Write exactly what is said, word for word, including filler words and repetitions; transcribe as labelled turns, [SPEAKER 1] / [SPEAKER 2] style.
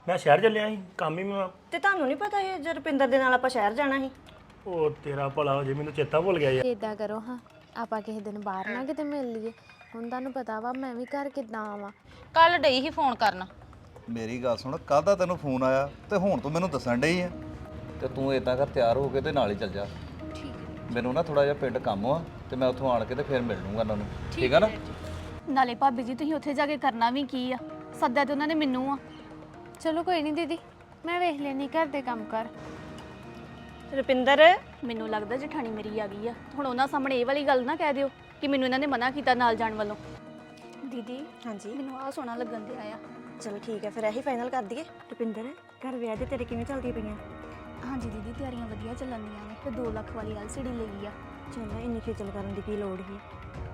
[SPEAKER 1] ਮੈਂ ਸ਼ਹਿਰ ਚੱਲਿਆ ਸੀ ਕੰਮ ਹੀ ਮੈਂ
[SPEAKER 2] ਤੇ ਤੁਹਾਨੂੰ ਨਹੀਂ ਪਤਾ ਇਹ ਜੇ ਰੁਪਿੰਦਰ ਦੇ ਨਾਲ ਆਪਾਂ ਸ਼ਹਿਰ ਜਾਣਾ ਸੀ?
[SPEAKER 1] ਉਹ ਤੇਰਾ ਭਲਾ ਹੋ ਜੇ ਮੈਨੂੰ ਚੇਤਾ ਭੁੱਲ ਗਿਆ ਯਾਰ।
[SPEAKER 3] ਇਦਾਂ ਕਰੋ ਹਾਂ, ਆਪਾਂ ਕਿਸੇ ਦਿਨ ਬਾਹਰ ਨਾ ਕਿਤੇ ਮਿਲ ਲਈਏ। ਹੁਣ ਤੁਹਾਨੂੰ ਪਤਾ ਵਾ ਮੈਂ ਵੀ ਘਰ ਕਿੱਦਾਂ ਆਵਾਂ।
[SPEAKER 4] ਕੱਲ ਡਈ ਹੀ ਫੋਨ ਕਰਨ।
[SPEAKER 5] ਮੇਰੀ ਗੱਲ ਸੁਣ, ਕਾਹਦਾ ਤੈਨੂੰ ਫੋਨ ਆਇਆ ਤੇ ਹੁਣ ਤੂੰ ਮੈਨੂੰ ਦੱਸਣ ਡਈ ਆ? ਤੇ ਤੂੰ ਇਦਾਂ ਕਰ, ਤਿਆਰ ਹੋ ਕੇ ਤੇ ਨਾਲ ਹੀ ਚੱਲ ਜਾ। ਠੀਕ। ਮੈਨੂੰ ਨਾ ਥੋੜਾ ਜਿਹਾ ਪਿੰਡ ਕੰਮ ਆ ਤੇ ਮੈਂ ਉੱਥੋਂ ਆਣ ਕੇ ਤੇ ਫਿਰ ਮਿਲ ਲੂੰਗਾ ਉਹਨਾਂ ਨੂੰ। ਠੀਕ ਆ ਨਾ?
[SPEAKER 6] ਨਾਲੇ ਭਾਬੀ ਜੀ ਤੁਸੀਂ ਉੱਥੇ ਜਾ ਕੇ ਕਰਨਾ ਵੀ ਕੀ ਆ? ਸੱਦਿਆ ਤੇ ਉਹਨਾਂ ਨੇ ਮੈਨੂੰ ਆ।
[SPEAKER 3] ਚਲੋ ਕੋਈ ਨਹੀਂ ਦੀਦੀ, ਮੈਂ ਵੇਖ ਲੈਣੀ ਘਰ ਦੇ ਕੰਮ ਕਰ।
[SPEAKER 2] ਰੁਪਿੰਦਰ
[SPEAKER 6] ਮੈਨੂੰ ਲੱਗਦਾ ਜਠਾਣੀ ਮੇਰੀ ਆ ਗਈ ਆ। ਹੁਣ ਉਹਨਾਂ ਸਾਹਮਣੇ ਇਹ ਵਾਲੀ ਗੱਲ ਨਾ ਕਹਿ ਦਿਓ ਕਿ ਮੈਨੂੰ ਇਹਨਾਂ ਨੇ ਮਨਾ ਕੀਤਾ ਨਾਲ ਜਾਣ ਵੱਲੋਂ। ਦੀਦੀ
[SPEAKER 2] ਹਾਂਜੀ
[SPEAKER 6] ਮੈਨੂੰ ਆਹ ਸੋਹਣਾ ਲੱਗਣ ਦਿਆ ਆ।
[SPEAKER 2] ਚਲੋ ਠੀਕ ਹੈ ਫਿਰ ਇਹੀ ਫਾਈਨਲ ਕਰ ਦਈਏ। ਰੁਪਿੰਦਰ ਘਰ ਵਿਆਹ ਦੇ ਤੇਰੇ ਕਿਵੇਂ ਚੱਲਦੀਆਂ ਪਈਆਂ?
[SPEAKER 6] ਹਾਂਜੀ ਦੀਦੀ ਤਿਆਰੀਆਂ ਵਧੀਆ ਚੱਲਣ ਦੀਆਂ ਨੇ ਤੇ ਦੋ ਲੱਖ ਵਾਲੀ ਐਲ ਸੀ ਡੀ ਲਈ ਆ।
[SPEAKER 2] ਚਲੋ ਇੰਨੀ ਖੇਚਲ ਕਰਨ ਦੀ ਕੀ ਲੋੜ ਸੀ?